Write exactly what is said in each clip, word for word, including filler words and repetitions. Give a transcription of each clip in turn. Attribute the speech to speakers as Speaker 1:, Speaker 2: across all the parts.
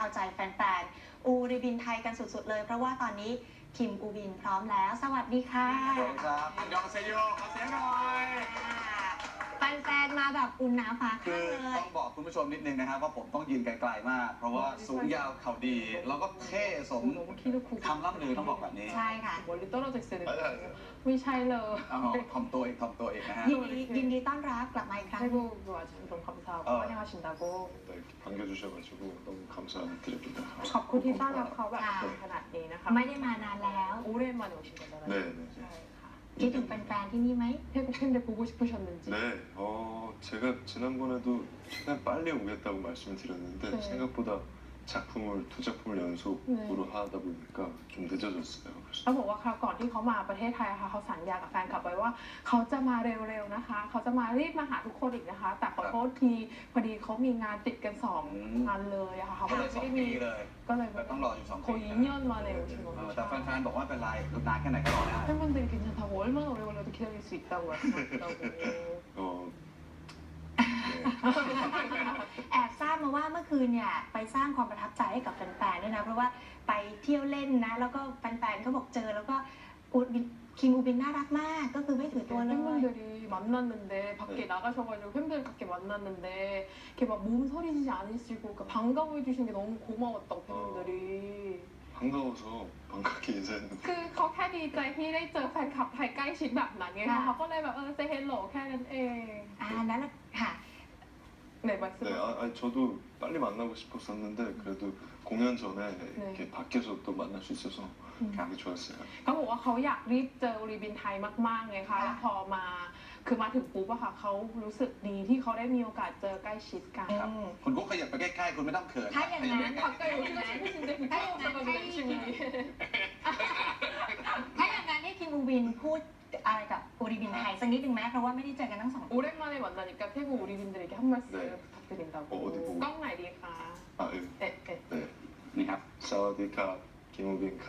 Speaker 1: เอาใจแฟนๆอูริบินไทยกันสุดๆเลยเพราะว่าตอนนี้คิมอูบินพร้อมแล้วสวัสดีค่ะ
Speaker 2: สวัสดีครับอันยองเซโยขอเสียงหน่อย
Speaker 1: แฟนๆมาแบบอุ่นหนาฟ้า
Speaker 2: คื
Speaker 1: ข้าง
Speaker 2: อ
Speaker 1: เลย
Speaker 2: ต้องบอกคุณผู้ชมนิดนึงนะครับว่าผมต้องยืนไกลๆมากเพราะว่าสูงยาวเข่าดีแล้วก็เท่สมคำล่ำลือต้องบอกแบบนี้
Speaker 1: ใช่ค่ะ
Speaker 3: 멀리떨어져있어야되는데ไม่ใช่เลย
Speaker 2: เอาถ่อมตัวอีกถ่อมตัวอีกนะฮะ
Speaker 1: ยินดียินดีต้อนรับกลับมาอีกครั้ง
Speaker 3: 태국 와주셔서 너무 감사하고
Speaker 2: 어.
Speaker 3: 환영하신다고
Speaker 4: 네, 이렇게 반겨주셔가지고 너무 감사드립니다.
Speaker 3: ขอบคุณที่ต้อนรับเขาแบบขนาดนี้นะคะ
Speaker 1: ไม่ได้มานานแล้ว
Speaker 3: 오랜만에 오신 거잖아요.
Speaker 4: 네, 네.
Speaker 3: ใช่ค่ะ
Speaker 1: คิดถึงแฟนๆที่นี่ไหม
Speaker 3: 태국 팬들 보고 싶으셨는지.
Speaker 4: 네, 어, 제가 지난번에도 최대한 빨리 오겠다고 말씀을 드렸는데
Speaker 3: 네.
Speaker 4: 생각보다 작품을 두 작품을 연속으로
Speaker 3: 네.
Speaker 4: 하다 보니까 좀 늦어졌어요.
Speaker 3: เขาบอกว่าคราวก่อนที่เขามาประเทศไทยค่ะเขาสัญญากับแฟนคลับไว้ว่าเขาจะมาเร็วๆนะคะเขาจะมารีบมาหาทุกคนอีกนะคะ แต่ขอโทษทีพอดีเขามีงานติดกันสองงานเลยอะค่ะเขา
Speaker 2: ก็
Speaker 3: ก็
Speaker 2: เล
Speaker 3: เลย ย
Speaker 2: สอ
Speaker 3: ไม่
Speaker 2: ง
Speaker 3: ได้
Speaker 2: ปี
Speaker 3: มี
Speaker 2: เลย
Speaker 3: ก็เลย
Speaker 2: ต้องรออยู่สองปี
Speaker 3: 거의 이 년 만에 오신
Speaker 2: เออ
Speaker 3: 거죠.
Speaker 2: แต่แฟนๆบอกว่าเป็นไรนานแค่ไหนก็รอได้
Speaker 3: 팬분들이 괜찮다고 얼마나 오래 걸려도 기다릴 수 있다고 말씀하셨다고.
Speaker 4: 어,
Speaker 1: แอบทราบมาว่าเมื่อคืนเนี่ยไปสร้างความประทับใจให้กับแฟนๆด้วยนะเพราะว่าไปเที่ยวเล่นนะแล้วก็แฟนๆเขาบอกเจอแล้วก็อูบินคิมอูบินน่ารักมากก็คือไม่ถือตัวเลย
Speaker 3: 팬분들이 만났는데 밖에
Speaker 4: 네.
Speaker 3: 나가셔가지고 팬들 밖에 만났는데 이렇게 막 몸서리지 않으시고 그러니까 반가워해 주신 게 너무 고마웠다고 팬분들이.
Speaker 4: 반가워서 반갑게 인사했는데
Speaker 3: คือเขาแค่ดีใจที่ได้เจอแฟนคลับไทยใกล้ชิดแบบนั้นไงคะเขาก็เลยแบบเออเซเฮลโหลแค่นั้นเอง
Speaker 1: อ่านั้นแหละค่ะ
Speaker 3: ไหนมาสิ
Speaker 4: 네, 아, 아니, 저도 빨리 만나고 싶었었는데 그래도 공연 전에 이렇게 밖에서 또 만날 수 있어서 되게 좋았어요.
Speaker 3: เขาบอกว่าเขาอยากรีบเจอรีบินไทยมากๆไงคะแล้วพอมาคือมาถึงปุ๊บอะค่ะเขารู้สึกดีที่เขาได้มีโอกาสเจอใกล้ชิดกัน
Speaker 1: อืม
Speaker 2: คุณกุ๊กขยับไปใกล้ๆคุณไม่ต้องเขิน
Speaker 1: ถ้าอย่างนั้น
Speaker 2: ขยับไปใกล้
Speaker 3: 가까이 오시고 싶으신데 부끄러워서 열심히.
Speaker 1: ถ้าอย่างนั้นให้คิมอูบินพูดอะไรกับอูริบินไทยสักนิดหนึ่งไหมเพราะว่าไม่ได้เจอกันทั้งสองปี
Speaker 3: 오랜만에 만나니까 태국 우리분들에게 한 말씀
Speaker 4: 네.
Speaker 3: 부탁드린다고.
Speaker 4: 어, 어디 보고?
Speaker 3: 깡 나이리카.
Speaker 4: 아, 예.
Speaker 3: 네, 네.
Speaker 4: 네.
Speaker 2: ๆนี่ครับ
Speaker 4: 사와디캅, 김우빈캅.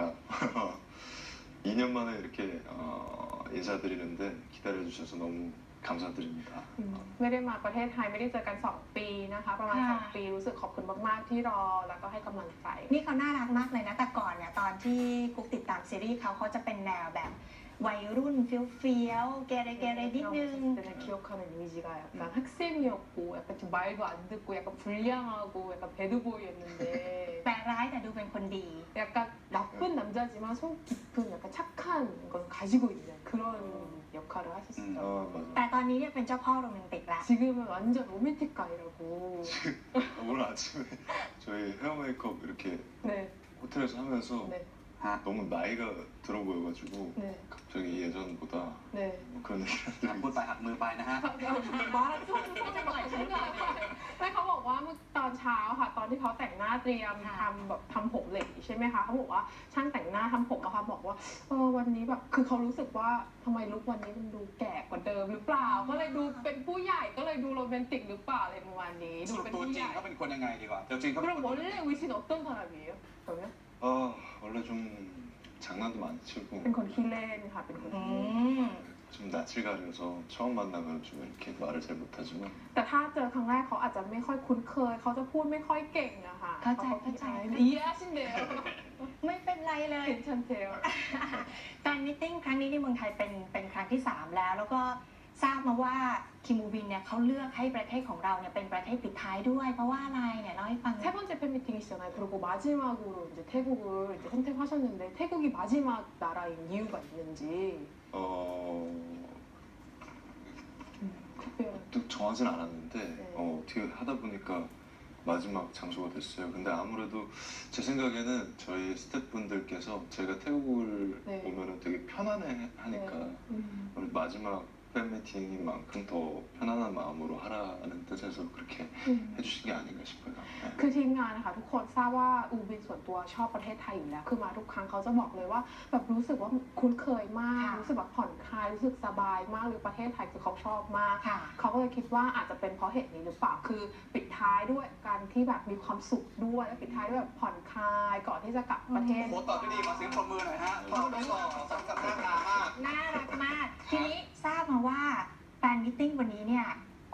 Speaker 4: 이 년 만에 이렇게 어, 인사드리는데 기다려주셔서 너무 감사드립니다.
Speaker 3: ไม่ได้มาประเทศไทยไม่ได้เจอกันสองปีนะคะ ประมาณ
Speaker 1: ค่ะ
Speaker 3: สองปีรู้สึกขอบคุณมากๆที่รอแล้วก็ให้กำลังใจ
Speaker 1: นี่เขาน่ารักมากเลยนะแต่ก่อนเนี่ยตอนที่กุ๊กติดตามซีรีส์เขาเขาจะเป็นแนวแบบวัยรุ่นเฟี้ยวเฟี้ยวๆเกเรเกเรนิดนึง
Speaker 3: 때는 기억하는 이미지가 약간 학생이었고 약간 좀 말도 안 듣고 약간 불량하고 약간 배드보이였는데
Speaker 1: แปลร้ายแต่ดูเป็นคนดี
Speaker 3: 약간 나쁜 남자지만 속 깊은 약간 착한 걸 가지고 있는 그런 역할을 하셨어요.
Speaker 4: 아, 맞아.
Speaker 1: แต่ตอนนี้เนี่ยเป็นเจ้าพ่อโรแมนติกละ
Speaker 3: 지금은 완전 로맨틱 가이라고.
Speaker 4: 오늘 아침에 저희 헤어 메이크업 이렇게
Speaker 3: 네,
Speaker 4: 호텔에서 하면서
Speaker 3: 네,
Speaker 2: ฮะ
Speaker 4: 너무 나이가 들어 보여가지고
Speaker 3: 네,
Speaker 4: 갑자기 예전보다
Speaker 3: 네.
Speaker 4: 뭐 그런 얘기를
Speaker 2: พูดไปหักมือไปนะฮะ
Speaker 3: บอสช่วงช่วงจังหวะฉันก่อนไม่เขาบอกว่าเมื่อตอนเช้าค่ะ ตอนที่เขาแต่งหน้าเตรียมทำแบบทำผมเหล็กใช่ไหมคะเขาบอกว่าช่างแต่งหน้าทำผมอะค่ะบอกว่าเออวันนี้แบบคือเขารู้สึกว่าทำไมลุควันนี้มันดูแก่กว่าเดิมหรือเปล่า ก็เลยดูเป็นผู้ใหญ่ก็เลยดูโรแมนติกหรือเปล่าอะไรประมาณนี้
Speaker 2: ส
Speaker 3: ดู
Speaker 2: รุป
Speaker 3: เป็น
Speaker 2: ตัว
Speaker 3: ผู้
Speaker 2: จ
Speaker 3: ให
Speaker 2: ริง
Speaker 3: ญ่
Speaker 2: เขาเป็นคนยังไงดีกว่าตัวจริงเขาเป็น
Speaker 3: 그럼
Speaker 2: คน
Speaker 3: 원래 위신 어떤 사람이에요? 그러면
Speaker 4: 아 원래 좀 장난도 많이 치고
Speaker 3: เป็นคนขี้เล่นค่ะเป็นคน
Speaker 1: อื
Speaker 3: ขี้เล่น
Speaker 1: ม
Speaker 4: 좀 낯을 가려서 처음 만나면 좀 이렇게 말을 잘 못하지만
Speaker 3: แต่ถ้าเจอครั้งแรกเขาอาจจะไม่ค่อยคุ้นเคย เขาจะพูดไม่ค่อยเก่งอะค่ะ
Speaker 1: เข้าใจเข้าใจ
Speaker 3: อีอาชินเดล
Speaker 1: ไม่เป็นไรเลย
Speaker 3: เป็นชันเทล
Speaker 1: แฟนมิทติ้งครั้งนี้ที่เมืองไทยเป็นเป็นครั้งที่สามแล้ว แล้วก็ทราบมาว่าคิมอูบินเนี่ยเขาเลือกให้ประเทศของเราเนี่ยเป็นประเทศปิดท้ายด้วย เพราะว่าอะไรเนี่ยเล่าให้ฟังหน่
Speaker 3: 세
Speaker 1: อย
Speaker 3: 번째 팬미팅이시잖아요. 그리고 마지막으로 이제 태국을 이제 선택하셨는데 태국이 마지막 나라인 이유가 있는지
Speaker 4: 어
Speaker 3: 특별한
Speaker 4: 또 정하진 않았는데
Speaker 3: 네.
Speaker 4: 어, 어떻게 하다 보니까 마지막 장소가 됐어요. 근데 아무래도 제 생각에는 저희 스태프분들께서 제가 태국을
Speaker 3: 네.
Speaker 4: 오면은 되게 편안해 하니까
Speaker 3: 네. 음.
Speaker 4: 오늘 마지막 팬 미팅인 만큼 더 편안한 마음으로 하라는 뜻에서 그렇게
Speaker 3: 음.
Speaker 4: 해주신 게 아닌가 싶어요. 네.
Speaker 3: คือทีมงานนะคะทุกคนทราบว่าอูบินส่วนตัวชอบประเทศไทยอยู่แล้วคือมาทุกครั้งเขาจะบอกเลยว่าแบบรู้สึกว่าคุ้นเคยมาก
Speaker 1: ค่ะ
Speaker 3: รู้สึกแบบผ่อนคลายรู้สึกสบายมากหรือประเทศไทยคือเขาชอบมาก
Speaker 1: ค่ะ
Speaker 3: เขาก็เลยคิดว่าอาจจะเป็นเพราะเหตุนี้หรือเปล่า คือปิดท้ายด้วยการที่แบบมีความสุขด้วยและปิดท้ายด้วยแบบผ่อนคลายก่อนที่จะกลับประเทศ
Speaker 2: โค้ชตอบได้ดีมาเสียงปรบมือหน่อยฮะตอบได้ต่อสมกับหน้าตามาก
Speaker 1: น่ารักมาก ทีนี้ทราบมาว่าแฟนมิทติ้งวันนี้เนี่ย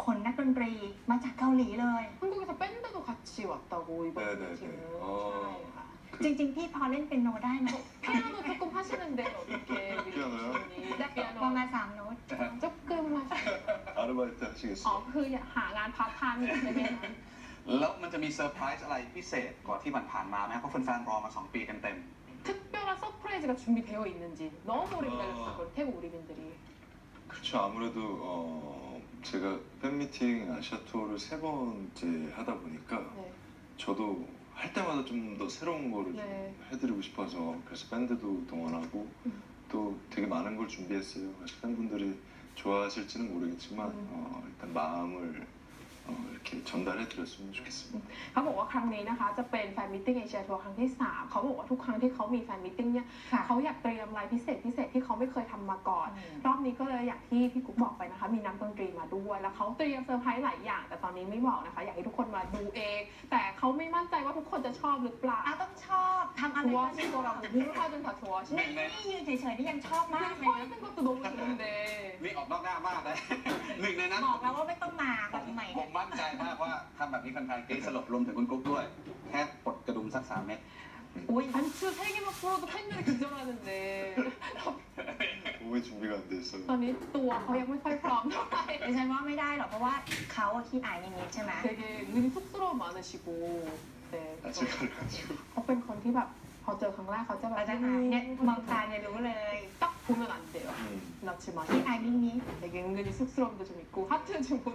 Speaker 1: ขนนักดนตรีมาจากเกาหลีเลย
Speaker 3: 한국에서 밴드도 같이 왔다고 이번
Speaker 4: 네네네.
Speaker 3: 미팅은.
Speaker 4: 어.
Speaker 3: ใช่
Speaker 1: จริง ๆ พี่พอเล่นเป็นโนได้ไหม
Speaker 3: ค่ะ 피아노 조금 하시는데 어떻게 우리
Speaker 4: 피아노요?
Speaker 3: 지훈이
Speaker 1: ได้ประ
Speaker 3: 피아노
Speaker 1: มาณสามโน้ต
Speaker 3: 조금 하시는
Speaker 4: 아르바이트
Speaker 3: อ๋อ
Speaker 4: 하시겠어요?
Speaker 3: คือหางานพาร์ทไทม์อยู่ใช่ไหมคะ
Speaker 2: แล้วมันจะมีเซอร์ไพรส์อะไรพิเศษกว่าที่ผ่านๆมาไหมเพราะแฟนๆรอมาสองปีเต็ม
Speaker 3: 특별한 서프라이즈가 준비되어 있는지 너무 오래 기다렸어요. 태국 우리민들이.
Speaker 4: 그렇죠. 아무래도 어, 제가 팬미팅 아시아 투어를 세 번째 하다 보니까
Speaker 3: 네.
Speaker 4: 저도 할 때마다 좀 더 새로운 거를
Speaker 3: 네.
Speaker 4: 좀 해드리고 싶어서 그래서 밴드도 동원하고
Speaker 3: 음.
Speaker 4: 또 되게 많은 걸 준비했어요. 그래서 팬분들이 좋아하실지는 모르겠지만
Speaker 3: 음.
Speaker 4: 어, 일단 마음을 어, 이렇게 전달해드렸으면 좋겠습니다.
Speaker 3: เขาบอกว่าครั้งนี้นะคะจะเป็นแฟนมิทติ้งเอเชียทัวร์ครั้งที่สามเขาบอกว่าทุกครั้งที่เขามีแฟนมิทติ้งเนี่ย
Speaker 1: ค่ะ
Speaker 3: เขาอยากเตรียมอะไรพิเศษพิเศษที่เขาไม่เคยทำมาก่อน รอบนี้ก็เลยอย่างที่พี่กุ๊กบอกไปนะคะ มีนักดนตรีมาด้วย แล้วเขาเตรียมเซอร์ไพรส์หลายอย่าง แต่ตอนนี้ไม่บอกนะคะ อยากให้ทุกคนมาดูเอง แต่เขาไม่มั่นใจว่าทุกคนจะชอบหรือเปล่า
Speaker 1: อ่ะต้องชอบทำอะไรก็
Speaker 3: 좋아하실 거라고 누구하든 다 좋아하실
Speaker 1: นี่นี่ยืนเฉยๆนี่ยังชอบมาก
Speaker 3: 그
Speaker 1: เลย
Speaker 3: 서 있는 것도 너무 좋은데
Speaker 2: ๆนี่ออกนอกหน้ามากเลย หนึ่งในนั้น
Speaker 1: บอกแล้วว่าไม่ต้องมาแบบใหม่
Speaker 2: ผมมั่นใจมากว่าทำแบบนี้แฟนๆกรี๊ดสลบรวมถึงคุณกุ๊กด้วย แค่ปลดกระดุมสักสามเม็ด
Speaker 1: อุ้ย
Speaker 3: 단추 세 개만 풀어도 팬들이 기절하는데
Speaker 4: 몸의 준비가 안 돼 있어요.
Speaker 3: ตอนนี้ตัวเขายังไม่ค่อยพร้อมเท่าไหร่
Speaker 1: ดิฉันว่าไม่ได้หรอกเพราะว่าเขาอะขี้อายนิดๆใช่ไหม
Speaker 3: 되게 은근히 쑥스러움 많으시고 네.
Speaker 4: 아직 가려가지고
Speaker 3: เขาเป็นคนที่แบบพอเจอครั้งแรกเขาจะแบบ
Speaker 1: เราจะอายเนี่ยมองตาเนี่ยรู้เลย
Speaker 3: 딱 보면 안 돼요.
Speaker 4: 음.
Speaker 3: 그렇지만
Speaker 1: ขี้อายนิด
Speaker 3: 되게 은근히 쑥스러움도 좀 있고 하트 좀 보내.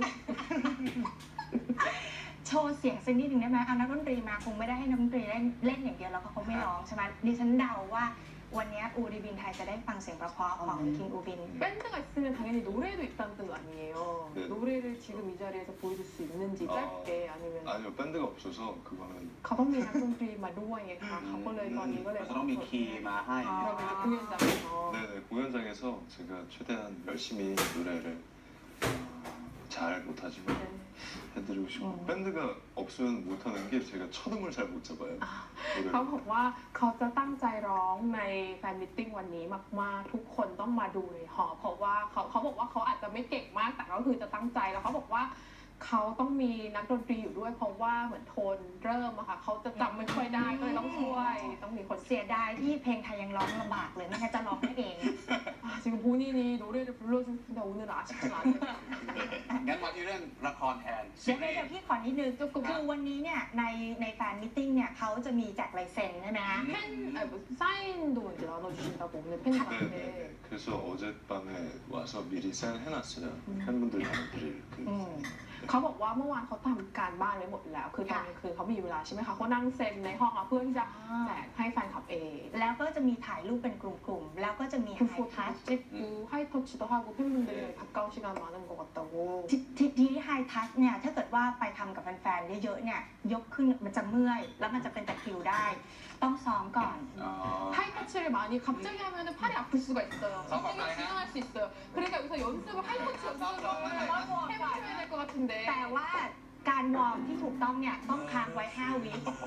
Speaker 1: ๆโชว์เสียงสักนิดหนึ่งได้ไหมเอานักดนตรีมาคงไม่ได้ให้นักดนตรีเล่นเล่นอย่างเดียวแล้วก็เขาไม่ร้องใช่ไหมดิฉันเดาว่าวันนี้อูริบินไทยจะได้ฟังเสียงเพราะๆของคิงอูบิน
Speaker 3: 밴드가 있으면 당연히 노래도 있다는 뜻 아니에요.
Speaker 4: 네.
Speaker 3: 노래를 지금 이 자리에서 보여줄 수 있는지
Speaker 4: 어.
Speaker 3: 짧게 아니면
Speaker 4: 아니요 밴드가 없어서 그거는
Speaker 3: เขาต้องมีนักดนตรีมาด้วยไงคะเขาก็เลยตอนนี้ก็เลย
Speaker 2: เราจะต้องมีคีย์มาให้
Speaker 3: 그러면 이제 공연장에서
Speaker 4: 네네 공연장에서 제가 최대한 열심히 노래를 어, 잘 못하지만
Speaker 3: 네.
Speaker 4: 해드리고 싶고
Speaker 3: 음.
Speaker 4: 밴드가 없으면 못하는 게 제가 첫음을 잘 못 잡아요.
Speaker 3: เขา
Speaker 4: 노래를.
Speaker 3: บอกว่าเขาจะตั้งใจร้องในแฟนมิทติ้งวันนี้มากๆทุกคนต้องมาดูในหอเพราะว่าเขาเขาบอกว่าเขาอาจจะไม่เก่งมากแต่ก็คือจะตั้งใจแล้วเขาบอกว่าเขาต้องมีนักดนตรีอยู่ด้วยเพราะว่าเหมือนโทนเริ่มอะค่ะเขาจะจำไม่ค่อยได้ก็เลยต้องช่วยต้องมีคน
Speaker 1: เสียดายที่เพลงไทยยังร้องลำบากเลยไม่งั้นจะร้องได้เอง
Speaker 3: 아, 지금 본인이 노래를 불러주는데 오늘 아쉽진 않네요.
Speaker 2: งั้นมาที่เรื่องละครแทน
Speaker 1: เดี๋ยวเดี๋ยวพี่ขอนิดนึงคือวันนี้เนี่ยในในแฟนมิทติ้งเนี่ยเขาจะมีแจกลายเซ็นใช่ไหมคะ
Speaker 3: 팬, 아니, 뭐, 사인도 이제 나눠주신다고 오늘 팬들한테.
Speaker 4: 네네네. 그래서 어젯밤에 와서 미리 사인해놨어요.
Speaker 3: 음.
Speaker 4: 팬분들 나눠드릴 그.
Speaker 1: อืม
Speaker 3: เขาบอกว่าเมื่อวานเขาทำการบ้านไว้หมดแล้ว คือตอนกลางคืนเขามีเวลาใช่ไหมคะเขานั่งเซ็นในห้องอะเพื่อที่จะแจกให้แฟนคลับเอง
Speaker 1: แล้วก็จะมีถ่ายรูปเป็นกลุ่มๆ แล้วก็จะมีไฮ
Speaker 3: 그
Speaker 1: ทัช
Speaker 3: 포토도 찍고 하이터치도 하고 팬분들이 가까운 시간 많은 것 같다고.
Speaker 1: ทีทีที่ไฮทัชเนี่ยถ้าเกิดว่าไปทำกับแฟนๆเยอะๆเนี่ยยกขึ้นมันจะเมื่อย แล้วมันจะเป็นตะคริวได้ ต้องซ้อมก่อน
Speaker 2: อ๋อ
Speaker 3: 하이터치를 많이 갑자기 하면 팔이 아플 수가 있어요.
Speaker 2: 잠깐만요.
Speaker 3: 선생님이 진행할 수 있어요. 그러니까 여기서 연습을 하이터치 연습을 해보셔야 될 것 같은데.
Speaker 1: แต่ว่าการวอร์มที่ถูกต้องเนี่ยต้องค้างไว้ห้าวิ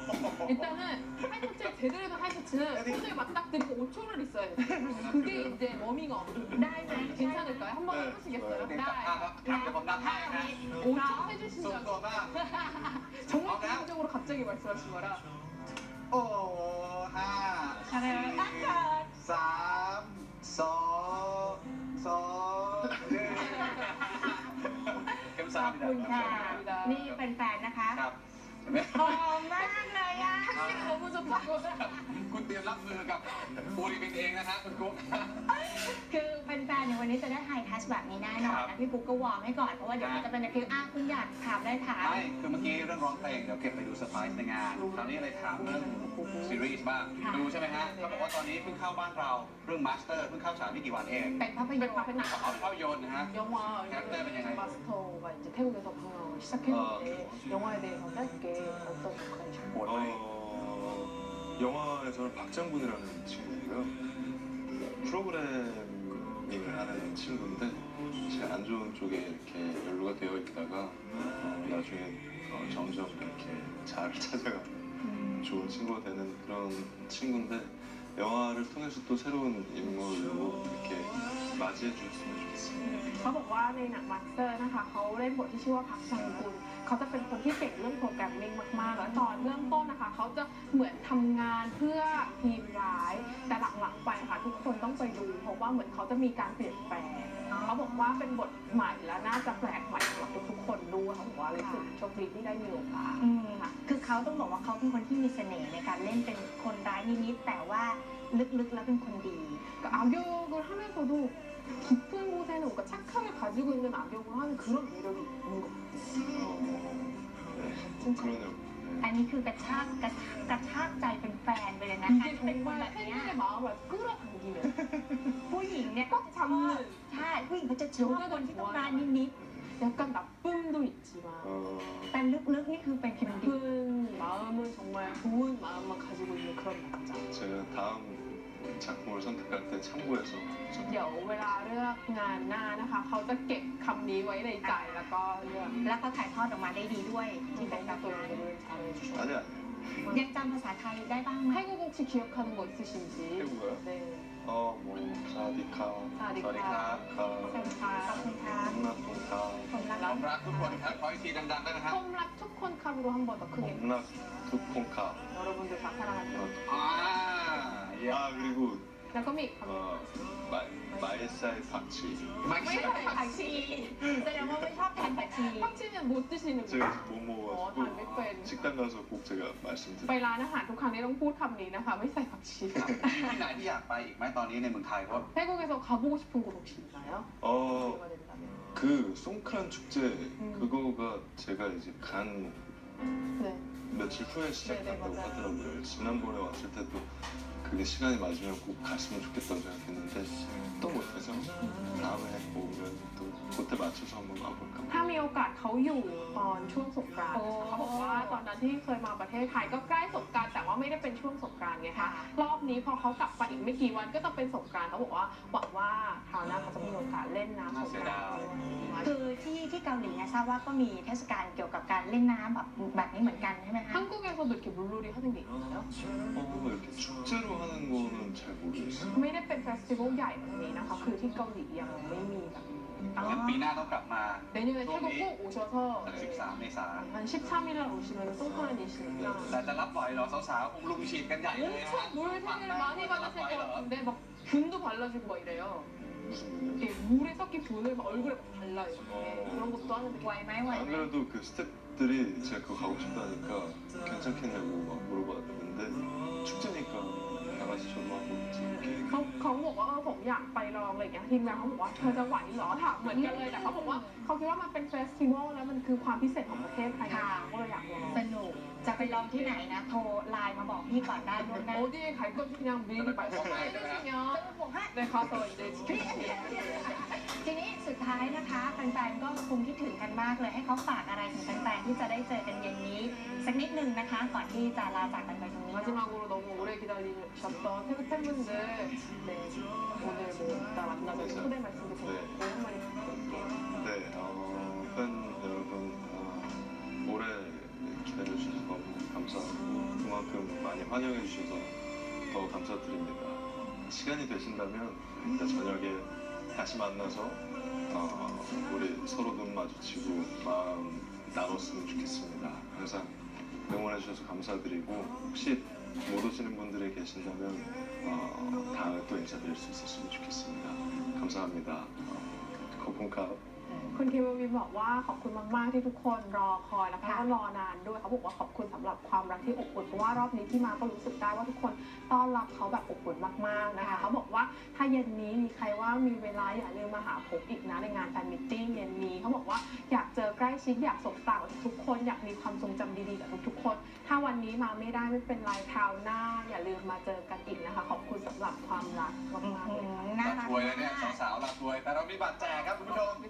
Speaker 3: 일단은 하이터치를 제대로 된 하이터치는 손을 맞닥뜨리고 오 초를 있어야 돼요. 그게 이제 워밍업.
Speaker 1: ได้ไหม
Speaker 3: 괜찮을까요? 한 번
Speaker 4: 네.
Speaker 3: 해보시겠어요?
Speaker 2: เดี๋ยวจับภาพครับเดี๋ยวผมนับให้นะ
Speaker 3: 오 초
Speaker 2: ส่วน
Speaker 3: 해주신다고.
Speaker 2: ตัวบ้าง
Speaker 3: 정말 개인적으로 갑자기 말씀하신 거라.
Speaker 2: โอ้ห้า
Speaker 1: อะไรนะตั้งเกิด
Speaker 2: สามสองสองหนึ่งเข็ม
Speaker 1: ข
Speaker 2: สา
Speaker 1: อ
Speaker 2: ม
Speaker 1: บคุณค่ะ นี่เป็นแฟนนะคะ
Speaker 2: ครับ
Speaker 1: หอมมากเลยอ่ะ
Speaker 3: 너무 좋다고.
Speaker 2: คุณเตรียมรับมือกับปูริบินเองนะฮะคุณกุ๊ก
Speaker 1: คือเป็นแฟนในยวันนี้จะได้ไฮทัชแบบนี้แน่นอน
Speaker 2: ครั
Speaker 1: นะ
Speaker 2: บ
Speaker 1: พี่ปุ๊กก็วอร์มให้ก่อนเพราะว่าเดี๋ยวมันจะเป็นตะคริวอ่ะคุณอยากถามได้ถาม
Speaker 2: ไม่คือเมื่อกี้เรื่องร้องเพลงเดี๋ยวเก็บไปดูเซอร์ไพรส์ในงาน คราวนี้เลยถามเรื่องซีรีส์บ้าง
Speaker 1: ค่ะ
Speaker 2: ดูใช่ไหมฮะเขาบอกว่าตอนนี้เพิ่งเข้าบ้านเราเรื่องมาสเตอร์เพิ่งเข้าฉายไม่กี่วันเอง
Speaker 1: เป็นภาพยนตร์
Speaker 3: เป็นภาพยนตร์
Speaker 2: เอาภาพยนตร์นะฮะ
Speaker 3: 영화
Speaker 2: 캐릭터는 그냥
Speaker 3: 마스터가 이제 태국에서 방영을 시작했는데 영화에 대해서 짧게 어떤 역할이셨나요?
Speaker 2: โหดไหม
Speaker 4: 어, 영화에서는 박장군이라는 친구고요. 프로그래밍을 하는 친구인데 제가 안 좋은 쪽에 이렇게 연루가 되어 있다가 어, 나중에 어, 점점 이렇게 잘 찾아가는 좋은 친구가 되는 그런 친구인데 영화를 통해서 또 새로운 인물로 이렇게 맞이해 줬으면 좋겠습니다.
Speaker 3: เขาบอกว่าในหนังมาสเตอร์นะคะเขาเล่นบทที่ชื่อว่าพักชังกุลเขาจะเป็นคนที่เก่งเรื่องโปรแกรมมิ่งมากๆแล้วตอนเริ่มต้นนะคะเขาจะเหมือนทำงานเพื่อทีมร้ายแต่หลังๆไปค่ะทุกคนต้องไปดูเพราะว่าเหมือนเขาจะมีการเปลี่ยนแปลงเขาบอกว่าเป็นบทใหม่และน่าจะแปลกใหม่สำหรับทุกๆคนด้วยเขาบอกว่าเลยรู้สึกโชคดีที่ได้มีโอกาส
Speaker 1: อืมคือเขาต้องบอกว่าเขาเป็นคนที่มีเสน่ห์ในการเล่นเป็นคนร้ายนิดๆแต่ว่าลึกๆแล้วเป็นคนดี
Speaker 3: 그러니까 악역을 하면서도 깊은 곳에는 뭔가 착함을 가지고 있는 악역을 하는 그런 매력이 있는 것 같아요.
Speaker 4: 네, 그러네요.
Speaker 1: อัน
Speaker 4: 네.
Speaker 1: นี้คือกระชากกระชากกระชากใจเป็นแฟนไปเลยนะการ
Speaker 3: 이게
Speaker 1: เป็นคนแบ
Speaker 3: 정말
Speaker 1: บเนี้ย
Speaker 3: 팬들의 마음을 끌어당기는
Speaker 1: ผู้หญิงเนี่ย
Speaker 3: 꽉 잡는
Speaker 1: ใช่ผู้หญิงเขาจะชอบคนที่ต้องร้ายนิด
Speaker 3: 약간 나쁨도 있지만
Speaker 4: 어,
Speaker 1: ๆแต่ลึกๆนี่คือเป็นคนดี
Speaker 3: 깊은 마음은 정말 좋은 마음만 가지고 있는 그런 남자.
Speaker 4: 제가 다음 작품을 선택할 때 참고해서 좀
Speaker 3: เดี๋ยวเวลาเลือกงานหน้านะคะ เขาจะเก็บคำนี้ไว้ในใจแล้วก็เลือก
Speaker 1: แล้วเขาถ่ายทอดออกมาได้ดีด้วยที่
Speaker 3: ที่
Speaker 1: เป็
Speaker 3: เป็น น
Speaker 1: กา
Speaker 3: การ
Speaker 1: ร์ตู
Speaker 3: ตัวน 잘해주셔서
Speaker 4: 아니 아니.
Speaker 1: ยังจำภาษาไทยได้บ้างไหม
Speaker 3: 태국 혹시 기억하는 거 있으신지?
Speaker 4: 태국어요?
Speaker 3: 네.
Speaker 4: 어뭐 사디카,
Speaker 3: 사디카,
Speaker 4: 카,
Speaker 1: ขอบคุณครับ
Speaker 4: 홈락통카,
Speaker 1: ผมรัก
Speaker 2: ผมรักทุกคนครับขออีกทีดังๆได้ไหมครับ
Speaker 3: 홈락 투콘캅으로 한 번 더 크게
Speaker 4: 홈락투콘카.
Speaker 3: 여러분들 다 사랑하는
Speaker 4: 어,
Speaker 2: อ่าเยี่ยม
Speaker 4: 아 그리고
Speaker 3: แล้วก็มีอีกคำ
Speaker 4: 어, 마, 마에사의 박치.
Speaker 2: ไม่
Speaker 1: ไม่
Speaker 2: ใช่
Speaker 1: ใช่ผักชีแสดงว่าไม่ชอบทานผักชี
Speaker 3: 팍치는 못 드시는
Speaker 4: 제가
Speaker 3: 거예요.
Speaker 4: 못
Speaker 3: 어, 다
Speaker 4: 먹어가지고
Speaker 3: 몇
Speaker 4: 식당 가서 꼭 제가
Speaker 3: ไป
Speaker 4: 말씀드릴게요.
Speaker 3: ร้านอาหารทุกครั้งนี้ต้องพูดคำนี้นะคะ ไม่ใส่ผักชี
Speaker 2: ที่ไหนที่อยากไปอีกไหมตอนนี้ในเมืองไทยเพราะ
Speaker 3: 태국에서 가보고 싶은 곳 혹시 있나요?
Speaker 4: 어,
Speaker 3: 기회가 된다면.
Speaker 4: 그 송크란 축제 그거가 제가 이제 간
Speaker 3: 네.
Speaker 4: 며칠 후에 시작한다고
Speaker 3: 맞아요.
Speaker 4: 하더라고요. 지난번에 왔을 때도 그게 시간이 맞으면 꼭 갔으면 좋겠다고 생각했는데 또 못해서 다음에 오면 또 그때 맞춰서 한번 가볼까.
Speaker 3: ถ้ามีโอกาสเขาอยู่ตอนช่วงสงกรานต์นะคะเขาบอกว่าตอนนั้นที่เคยมาประเทศไทยก็ใกล้สงกรานต์แต่ว่าไม่ได้เป็นช่วงสงกรานต์ไงคะรอบนี้พอเขากลับไปอีกไม่กี่วันก็ต้องเป็นสงกรานต์เขาบอกว่าหวังว่าคราวหน้าเขาจะมีโอกาสเล่นน้ำสงกรานต์ด้วย
Speaker 1: คือที่ที่เกาหลีเนี่ยทราบว่าก็มีเทศกาลเกี่ยวกับการเล่นน้ำแบบแบบนี้เหมือนกันใช่ไหมคะ
Speaker 3: 한국에서도 이렇게 물놀이 하는 게 있나요?
Speaker 4: 어, 이렇게 축제로 하는 거는 잘 모르겠어요.
Speaker 3: ไม่ได้เป็นเฟสติวัลใหญ่แบบนี้นะคะ คือที่เกาหลียังไม่มีแบบนี้
Speaker 2: งั้นปีหน้าต้องกลับมา
Speaker 3: 내년에 태국 꼭 오셔서
Speaker 2: สิบสามเมษายน
Speaker 3: 한 십삼 일 날 오시면 송크란이시니까
Speaker 2: แต่จะรับไหวเหรอสาวๆคงลุมฉีดกันใหญ่เลยนะ
Speaker 3: 엄청 물세를 많이 받으실 것 같은데 막 균도 발라주고 막 이래요.
Speaker 4: 무슨 분이요?
Speaker 3: 이렇게 물에 섞인 균을 막 얼굴에 막 발라요. 네, 그런 것도 하는데
Speaker 1: ไหวไหมไหว
Speaker 4: 안
Speaker 1: ไหม
Speaker 4: 그래도 그 스태프들이 제가 그거 가고 싶다니까 괜찮겠냐고 막 물어봤는데 축제니까 나가서 저도 하고 이렇게
Speaker 3: เขาเขาบอกว่าเออผมอยากไปลองอะไรอย่างเงี้ยทีมงานเขาบอกว่าเธอจะไหวเหรอถามเหมือนกันเลยแต่เขาบอกว่าเขาคิดว่ามันเป็นเฟสติวัลแล้วมันคือความพิเศษของประเทศไทยเขาก็เลยอยากลอง
Speaker 1: สนุกจะไปลองที่ไหนนะ โทรไลน์มาบอกพี่ก่อนได้ล่วงหน้า
Speaker 3: 어디에 갈 건지 그냥 미리 말씀해주시면
Speaker 1: บอกให้
Speaker 3: 네 가서 이제 지켜주세요.
Speaker 1: ทีนี้สุดท้ายนะคะแฟนๆก็คงคิดถึงกันมากเลยให้เขาฝากอะไรถึงแฟนๆที่จะได้เจอกันเย็นนี้ สักนิดนึงนะคะ ก่อนที่จะลาจากกันไปตรงนี้
Speaker 3: 마지막으로 너무 오래 기다리셨던 태국 팬분들 네, 오늘 뭐 이따 만나서 초대 말씀도 드리고 한마디 부탁드릴게요.
Speaker 4: 네, 어, 팬 여러분 어, 올해 기다려주셔서 너무 감사하고 그만큼 많이 환영해 주셔서 더 감사드립니다. 시간이 되신다면 이따 저녁에 다시 만나서 어, 우리 서로 눈 마주치고 마음 나눴으면 좋겠습니다. 항상 응원해 주셔서 감사드리고 혹시 못 오시는 분들이 계신다면 어, 다음에 또 인사드릴 수 있었으면 좋겠습니다. 감사합니다. 어, 거품캅
Speaker 3: คุณคิมวินบอกว่าขอบคุณมากๆที่ทุกคนรอคอยแล้วก็รอนานด้วยเขาบอกว่าขอบคุณสำหรับความรักที่อบอุ่นเพราะว่ารอบนี้ที่มาก็รู้สึกได้ว่าทุกคนต้อนรับเขาแบบอบอุ่นมากๆนะคะเขาบอกว่าถ้าเย็นนี้มีใครว่ามีเวลาอย่าลืมมาหาผมอีกนะในงานแฟนมิทติ้งเย็นนี้เขาบอกว่าอยากเจอใกล้ชิดอยากสบตากับทุกคนอยากมีความทรงจำดีๆกับทุกๆคน ถ้าวันนี้มาไม่ได้ไม่เป็นไรคราวหน้า อย่าลืมมาเจอกันอีกนะคะขอบคุณสำหรับความรักมากๆเลยค่ะ
Speaker 1: น่า
Speaker 2: ลา
Speaker 1: รัก
Speaker 2: ทวยเลย
Speaker 1: มา
Speaker 2: เนี่ย
Speaker 1: ก
Speaker 2: สาวๆลาทวย แต่เรามีบัตรแจกครับคุณผู้ชม